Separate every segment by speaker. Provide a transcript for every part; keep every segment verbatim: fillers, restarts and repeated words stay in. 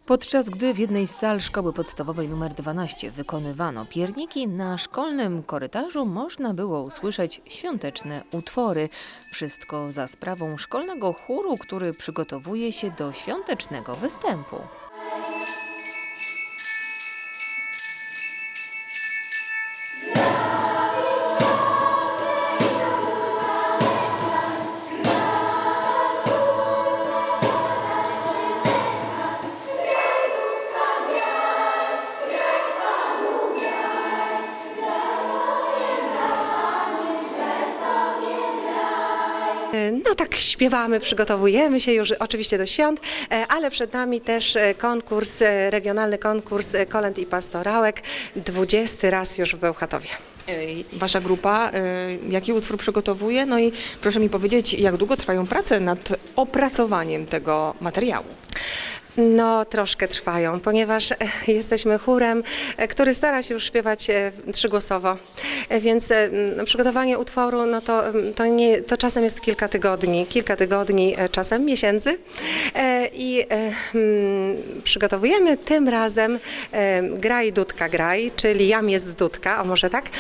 Speaker 1: Podczas gdy w jednej z sal szkoły podstawowej nr dwanaście wykonywano pierniki, na szkolnym korytarzu można było usłyszeć świąteczne utwory. Wszystko za sprawą szkolnego chóru, który przygotowuje się do świątecznego występu.
Speaker 2: No tak śpiewamy, przygotowujemy się już oczywiście do świąt, ale przed nami też konkurs, regionalny konkurs kolęd i pastorałek, dwudziesty raz już w Bełchatowie.
Speaker 3: Wasza grupa jaki utwór przygotowuje? No i proszę mi powiedzieć, jak długo trwają prace nad opracowaniem tego materiału?
Speaker 2: No, troszkę trwają, ponieważ jesteśmy chórem, który stara się już śpiewać trzygłosowo, więc przygotowanie utworu, no to, to, nie, to czasem jest kilka tygodni, kilka tygodni, czasem miesięcy i przygotowujemy tym razem Graj Dudka Graj, czyli Jam jest Dudka, a może tak,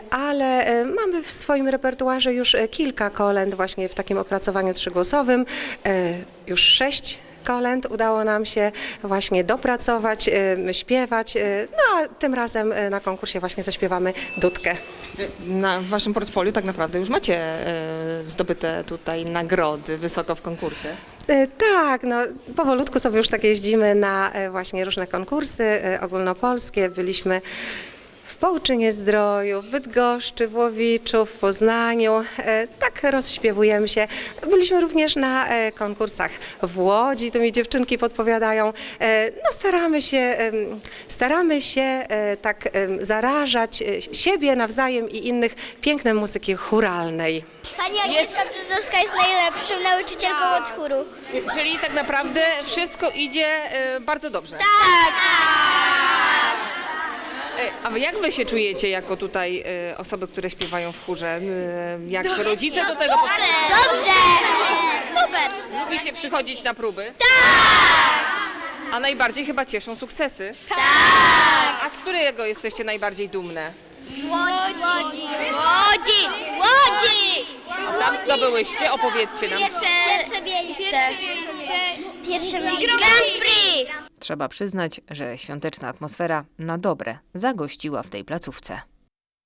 Speaker 2: ale mamy w swoim repertuarze już kilka kolęd właśnie w takim opracowaniu trzygłosowym, już sześć kolęd udało nam się właśnie dopracować, śpiewać, no a tym razem na konkursie właśnie zaśpiewamy Dudkę.
Speaker 3: Na waszym portfolio tak naprawdę już macie zdobyte tutaj nagrody wysoko w konkursie.
Speaker 2: Tak, no powolutku sobie już tak jeździmy na właśnie różne konkursy ogólnopolskie. Byliśmy w Połczynie-Zdroju, w Bydgoszczy, w Łowiczu, w Poznaniu. Tak rozśpiewujemy się. Byliśmy również na konkursach w Łodzi, to mi dziewczynki podpowiadają. No staramy się, staramy się tak zarażać siebie nawzajem i innych pięknem muzyki chóralnej.
Speaker 4: Pani Agnieszka Brzozowska jest najlepszą nauczycielką od chóru.
Speaker 3: Czyli tak naprawdę wszystko idzie bardzo dobrze.
Speaker 4: Tak!
Speaker 3: A jak wy się czujecie jako tutaj osoby, które śpiewają w chórze? Jak rodzice do tego podchodzą?
Speaker 4: Dobrze! Super!
Speaker 3: Lubicie przychodzić na próby? Tak! A najbardziej chyba cieszą sukcesy?
Speaker 4: Tak!
Speaker 3: A z którego jesteście najbardziej dumne?
Speaker 4: Łodzi! Łodzi! Łodzi! Łodzi!
Speaker 3: A tam zdobyłyście? Opowiedzcie nam.
Speaker 4: Pierwsze, pierwsze miejsce. Pierwsze miejsce. Grand Prix!
Speaker 1: Trzeba przyznać, że świąteczna atmosfera na dobre zagościła w tej placówce.